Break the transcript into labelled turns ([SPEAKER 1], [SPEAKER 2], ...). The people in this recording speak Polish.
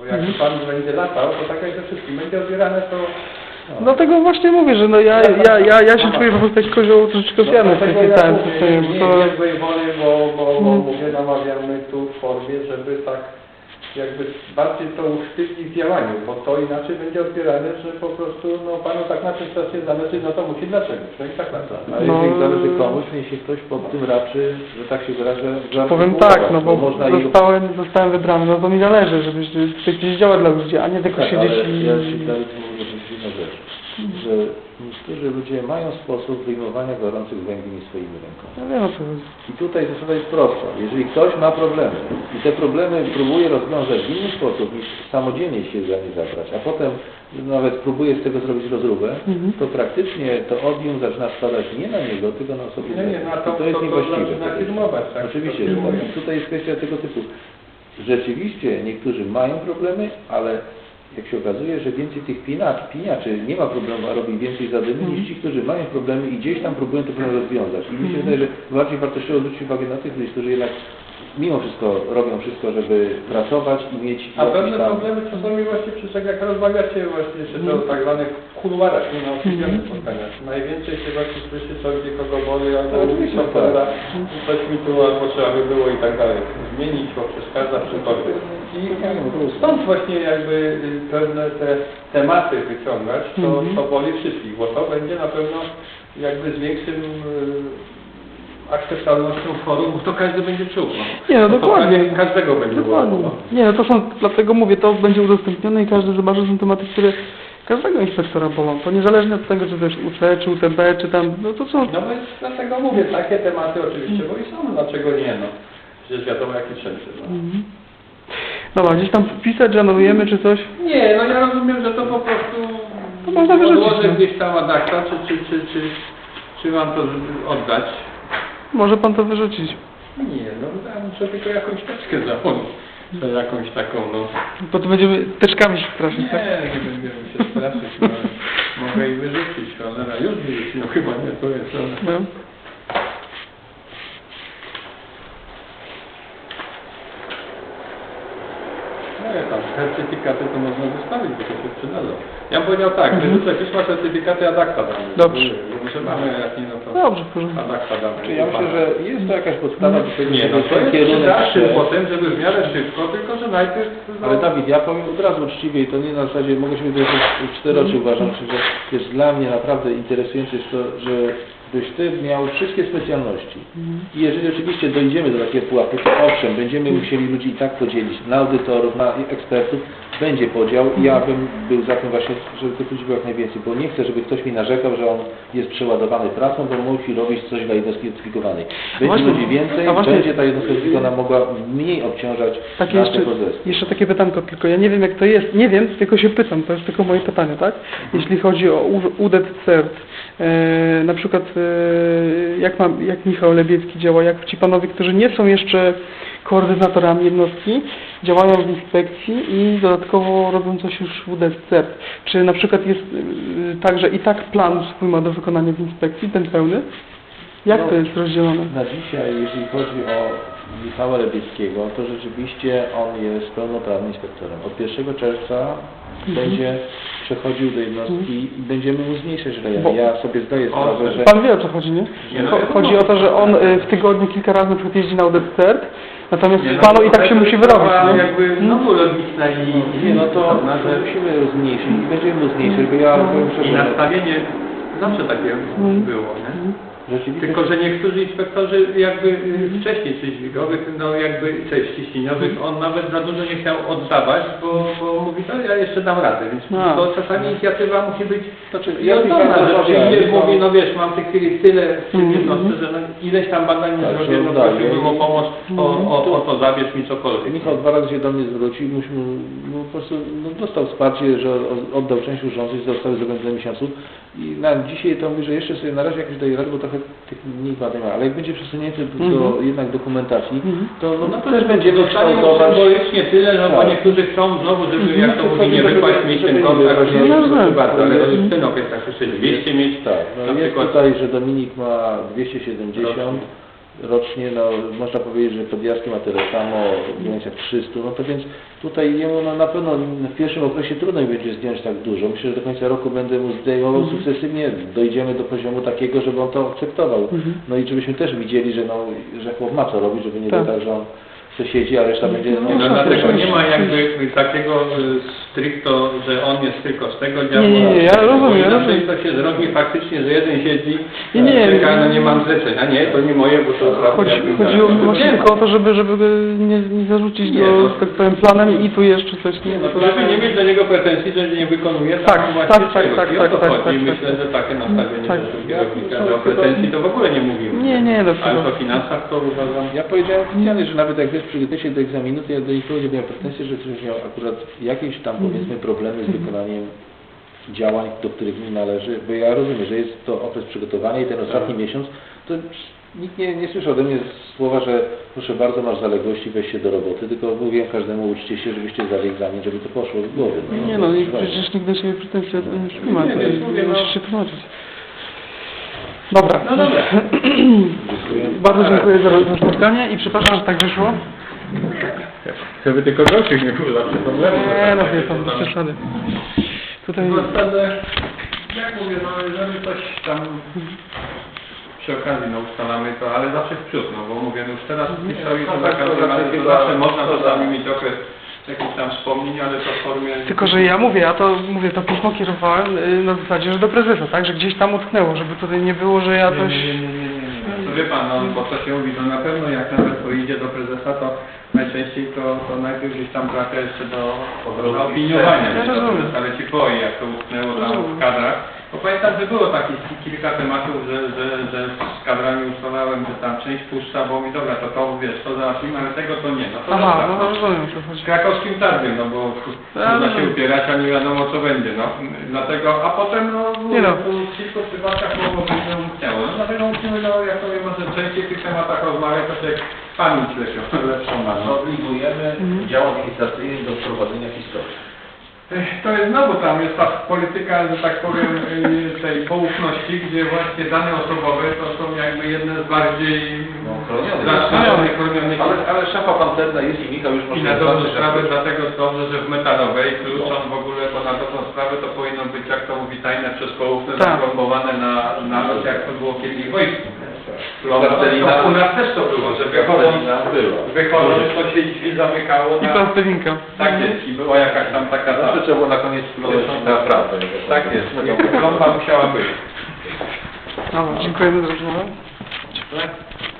[SPEAKER 1] Bo jak pan będzie latał, to tak jak ze wszystkim będzie odbierane, to... No.
[SPEAKER 2] Dlatego właśnie mówię, że no ja się czuję po prostu jak kozioł troszeczkę ofiarny w tym całym systemie.
[SPEAKER 1] Nie złej woli, bo mówię, namawiamy tu w formie, żeby tak jakby bardziej to usztywnić w działaniu, bo to inaczej będzie odbierane, że po prostu no panu tak na czymś strasznie zależy, no to musi dlaczego. No i tak na to.
[SPEAKER 3] Ale jeżeli zależy komuś, niech się ktoś pod tym raczy, że tak się wyrażę,
[SPEAKER 2] powiem tak, no bo zostałem wybrany, no to mi zależy, żebyś gdzieś działał dla ludzi, a nie tylko
[SPEAKER 3] tak,
[SPEAKER 2] siedzieć
[SPEAKER 3] ale
[SPEAKER 2] i...
[SPEAKER 3] ja ci dalej mówię jedną rzecz, że niektórzy ludzie mają sposób wyjmowania gorących węgli swoimi rękoma.
[SPEAKER 2] Ja wiem o co chodzi.
[SPEAKER 3] I tutaj zasada jest prosta. Jeżeli ktoś ma problemy i te problemy próbuje rozwiązać w inny sposób niż samodzielnie się za nie zabrać, a potem nawet próbuje z tego zrobić rozróbę, to praktycznie to odium zaczyna spadać nie na niego, tylko na osobie.
[SPEAKER 1] I
[SPEAKER 3] to jest niewłaściwe.
[SPEAKER 1] zaczyna firmować, tak?
[SPEAKER 3] Oczywiście, że tak. Tutaj jest kwestia tego typu. Rzeczywiście niektórzy mają problemy, ale jak się okazuje, że więcej tych piniaczy nie ma problemu, a robi więcej zadymy niż ci, którzy mają problemy i gdzieś tam próbują te problemy rozwiązać. I mi się wydaje, że bardziej wartościowo zwrócić uwagę na tych ludzi, którzy jednak mimo wszystko robią wszystko, żeby pracować i mieć...
[SPEAKER 1] A pewne problemy czasami właśnie jak rozmawiacie właśnie jeszcze o tak zwanych kuluarach, nie na oficjalnych spotkaniach. Najwięcej się właśnie słyszy, co gdzie kogo boli, albo coś mi tu, albo trzeba by było i tak dalej zmienić, bo przeszkadza przychodzi. I stąd właśnie jakby pewne te tematy wyciągać, to boli wszystkich, bo to będzie na pewno jakby z większym akceptowalnością forum, to każdy będzie czuł. No.
[SPEAKER 2] Nie, no dokładnie.
[SPEAKER 1] Każdego będzie
[SPEAKER 2] dokładnie. Nie, no to są, dlatego mówię, to będzie udostępnione i każdy zobaczy, że są tematy, które każdego inspektora bolą. To niezależnie od tego, czy to jest UC, czy UTB, czy tam, no to są...
[SPEAKER 1] No więc dlatego mówię, takie tematy oczywiście, bo i są, dlaczego nie, no. Przecież wiadomo, jakie wszędzie, no.
[SPEAKER 2] Dobra, gdzieś tam wpisać, że anulujemy, czy coś?
[SPEAKER 1] Nie, no ja rozumiem, że to po prostu...
[SPEAKER 2] To można wyrzucić.
[SPEAKER 1] Odłożę gdzieś tam adakta, czy mam to oddać?
[SPEAKER 2] Może pan to wyrzucić.
[SPEAKER 1] Nie, no ja muszę tylko jakąś teczkę założyć. Jakąś taką, no...
[SPEAKER 2] Bo to będziemy teczkami się straszyć, tak?
[SPEAKER 1] Nie będziemy się straszyć, no. Mogę i wyrzucić, cholera, już wyrzucić, no chyba nie, to jest, ale...
[SPEAKER 2] No.
[SPEAKER 1] Nie, tam certyfikaty to można zostawić, bo to się przydadzą. Ja bym powiedział tak, wyrzucę pisma, certyfikaty adakta damy.
[SPEAKER 2] Dobrze.
[SPEAKER 1] Że mamy, jak nie, no to
[SPEAKER 2] Dobrze, proszę.
[SPEAKER 1] adakta damy.
[SPEAKER 3] Czyli ja myślę, że jest to jakaś podstawa do tego,
[SPEAKER 1] Nie, no to jest kierunek potem, żeby w miarę szybko, tylko że najpierw... No...
[SPEAKER 3] Ale Dawid, ja powiem od razu uczciwie i to nie na zasadzie, mogę się wypowiedzieć w 4 oczy, uważam, że jest dla mnie naprawdę interesujące jest to, że byś Ty miał wszystkie specjalności. I jeżeli oczywiście dojdziemy do takiego pułapu, to owszem, będziemy musieli ludzi i tak podzielić na audytorów, na ekspertów, będzie podział i ja bym był za tym właśnie, żeby tych ludzi było jak najwięcej, bo nie chcę, żeby ktoś mi narzekał, że on jest przeładowany pracą, bo musi robić coś dla jednostki certyfikowanej. Będzie ludzi więcej, będzie ta jednostka certyfikowana mogła mniej obciążać
[SPEAKER 2] jeszcze takie pytanko, tylko ja nie wiem jak to jest, nie wiem, tylko się pytam, to jest tylko moje pytanie, tak? Jeśli chodzi o UDET CERT, na przykład jak Michał Lebiecki działa, jak ci panowie, którzy nie są jeszcze koordynatorami jednostki, działają w inspekcji i dodatkowo robią coś już w UDET CERT. Czy na przykład jest tak, że i tak plan swój ma do wykonania w inspekcji, ten pełny? Jak to jest rozdzielone?
[SPEAKER 3] Na dzisiaj, jeżeli chodzi o Michała Lebieckiego, to rzeczywiście on jest pełnoprawnym inspektorem. Od 1 czerwca będzie przechodził do jednostki i będziemy mu zmniejszać rejony. Ja sobie zdaję sprawę, że...
[SPEAKER 2] Pan wie o co chodzi, nie? Chodzi o to, że on w tygodniu kilka razy na przykład jeździ na UDET CERT, natomiast panu i tak się musi wyrobić, nie?
[SPEAKER 1] Jakby znowu logiczna i...
[SPEAKER 3] Nie, no to musimy zmniejszyć i będziemy mu zmniejszyć, bo ja powiem szczerze...
[SPEAKER 1] I nastawienie zawsze takie było, nie?
[SPEAKER 3] Rzeczywiście.
[SPEAKER 1] Tylko, że niektórzy inspektorzy jakby wcześniej czy dźwigowych, no jakby ciśnieniowych, on nawet za dużo nie chciał oddawać, bo mówi, no ja jeszcze dam radę, więc to czasami inicjatywa musi być że mówi, no wiesz, mam w tej chwili tyle w tym jednostce, że no, ileś tam badań nie zrobię, no prosiłbym o pomoc, o to zabierz mi cokolwiek.
[SPEAKER 3] Michał 2 razy się do mnie zwrócił, po prostu dostał wsparcie, że oddał część urządzeń, zostały zrobione do miesiąców i na dzisiaj to mówi, że jeszcze sobie na razie jakoś daje radę, bo trochę tych mniej badań ma, ale jak będzie przesunięty do jednak dokumentacji, to też będziemy kształtować.
[SPEAKER 1] Symbolicznie tyle, no bo niektórzy chcą znowu, żeby jak to mówi, nie wypaść mieć ten kontakt, proszę bardzo, ale w tym okresach jeszcze 200 mieć.
[SPEAKER 3] Tak, no jest tutaj, że Dominik ma 270, rocznie, no można powiedzieć, że Podjazki ma tyle samo, w granicach 300, no to więc tutaj jemu no, na pewno w pierwszym okresie trudno mi będzie zdjąć tak dużo. Myślę, że do końca roku będę mu zdejmował sukcesywnie, dojdziemy do poziomu takiego, żeby on to akceptował. No i żebyśmy też widzieli, że, no, że chłop ma co robić, żeby nie było tak, że on to siedzi, a reszta będzie...
[SPEAKER 1] No dlatego nie ma jakby takiego stricto, że on jest tylko z tego działu.
[SPEAKER 2] Nie, ja rozumiem.
[SPEAKER 1] Inaczej to się zrobi faktycznie, że jeden siedzi,
[SPEAKER 2] Nie,
[SPEAKER 1] czeka, no nie mam zlecenia. Nie, to nie moje, bo to
[SPEAKER 2] Chodziło mi właśnie tylko o to, żeby go nie zarzucić
[SPEAKER 1] Nie,
[SPEAKER 2] go,
[SPEAKER 1] no.
[SPEAKER 2] tak powiem, planem i tu jeszcze coś.
[SPEAKER 1] Nie, no to żeby nie mieć do niego pretensji, że nie wykonuje
[SPEAKER 2] Tak,
[SPEAKER 1] właśnie
[SPEAKER 2] tak,
[SPEAKER 1] czegoś.
[SPEAKER 2] tak,
[SPEAKER 1] I
[SPEAKER 2] tak,
[SPEAKER 1] o to
[SPEAKER 2] tak,
[SPEAKER 1] chodzi.
[SPEAKER 2] tak,
[SPEAKER 1] I
[SPEAKER 2] tak,
[SPEAKER 1] myślę, że takie nastawienie
[SPEAKER 2] tak.
[SPEAKER 1] do kierownika, że o pretensji to w ogóle nie mówimy.
[SPEAKER 2] Nie, no
[SPEAKER 1] Ale o finansach to uważam.
[SPEAKER 3] Ja powiedziałem oficjalnie, że nawet jak wiesz, przygotujesz się do egzaminu, to ja do nikogo nie miałem pretensji, że ktoś miał akurat jakieś tam powiedzmy problemy z wykonaniem działań, do których mi należy, bo ja rozumiem, że jest to okres przygotowania i ten ostatni miesiąc, to nikt nie słyszał ode mnie słowa, że proszę bardzo, masz zaległości, weź się do roboty, tylko mówię każdemu, uczcie się, żebyście zdali egzamin, żeby to poszło z głowy.
[SPEAKER 2] Nie no, i przecież nikt do Ciebie pretensji nie ma,
[SPEAKER 1] mówię, no.
[SPEAKER 2] musisz się tłumaczyć. Dobra.
[SPEAKER 1] No dobra.
[SPEAKER 2] Bardzo dziękuję za spotkanie i przepraszam, że tak wyszło.
[SPEAKER 1] Żeby tylko gorszych nie było zawsze problemu.
[SPEAKER 2] Nie no, wie pan, bez przesady. Tutaj...
[SPEAKER 1] W zasadzie, jak mówię, no jeżeli coś tam przy okazji no, ustalamy to, ale zawsze w przód, no bo mówię, no już teraz piszą i to za każdym razem, to zawsze można czasami mieć okres jakichś tam wspomnień, ale to w formie...
[SPEAKER 2] Tylko, że ja mówię, to pismo kierowałem na zasadzie, że do prezesa, tak, że gdzieś tam utknęło, żeby tutaj nie było, że ja coś...
[SPEAKER 1] Nie. To wie pan, no bo to się mówi, no na pewno jak nawet pojedzie do prezesa, to najczęściej to najpierw gdzieś tam trafia jeszcze do opiniowania,
[SPEAKER 2] Ja rozumiem.
[SPEAKER 1] ale ci boi, jak to utknęło tam w kadrach. Bo pamiętam, że było takich kilka tematów, że z kadrami ustalałem, że tam część puszcza, bo mi dobra, to wiesz, to załatwimy, ale tego to nie. No to
[SPEAKER 2] Aha,
[SPEAKER 1] dobra,
[SPEAKER 2] no rozumiem, co
[SPEAKER 1] z
[SPEAKER 2] chodzi.
[SPEAKER 1] krakowskim targiem, no bo można się upierać, a nie wiadomo co będzie, no. Dlatego, a potem no,
[SPEAKER 2] Nie no.
[SPEAKER 1] w kilku przypadkach mogło być, że umknęło. No dlatego musimy, no jak to może częściej w tych tematach rozmawiać, to się pamięć lepszą ma. No.
[SPEAKER 3] Obligujemy dział administracyjny do prowadzenia historii.
[SPEAKER 1] To jest znowu tam, jest ta polityka, że tak powiem, tej poufności, gdzie właśnie dane osobowe to są jakby jedne z bardziej chronionych.
[SPEAKER 3] Ale szafa pancerna jest i Michał już
[SPEAKER 1] I
[SPEAKER 3] może...
[SPEAKER 1] na dobrą sprawę, dlatego dobrze, że w metalowej klucz on w ogóle, bo na dobrą sprawę to powinno być, jak to mówi, tajne przez poufne,
[SPEAKER 2] Tak.
[SPEAKER 1] zaplombowane na noc, jak to było kiedyś w wojsku.
[SPEAKER 3] Plastelina.
[SPEAKER 1] U nas też to było, że wychodząc to się drzwi zamykało
[SPEAKER 2] I
[SPEAKER 1] na...
[SPEAKER 2] plastelinka.
[SPEAKER 1] Tak jest, i była jakaś tam taka...
[SPEAKER 3] Zawsze trzeba było na koniec wpląć naprawdę.
[SPEAKER 1] Tak jest, plomba musiała być.
[SPEAKER 2] Dobra, dziękujemy za rozmowę.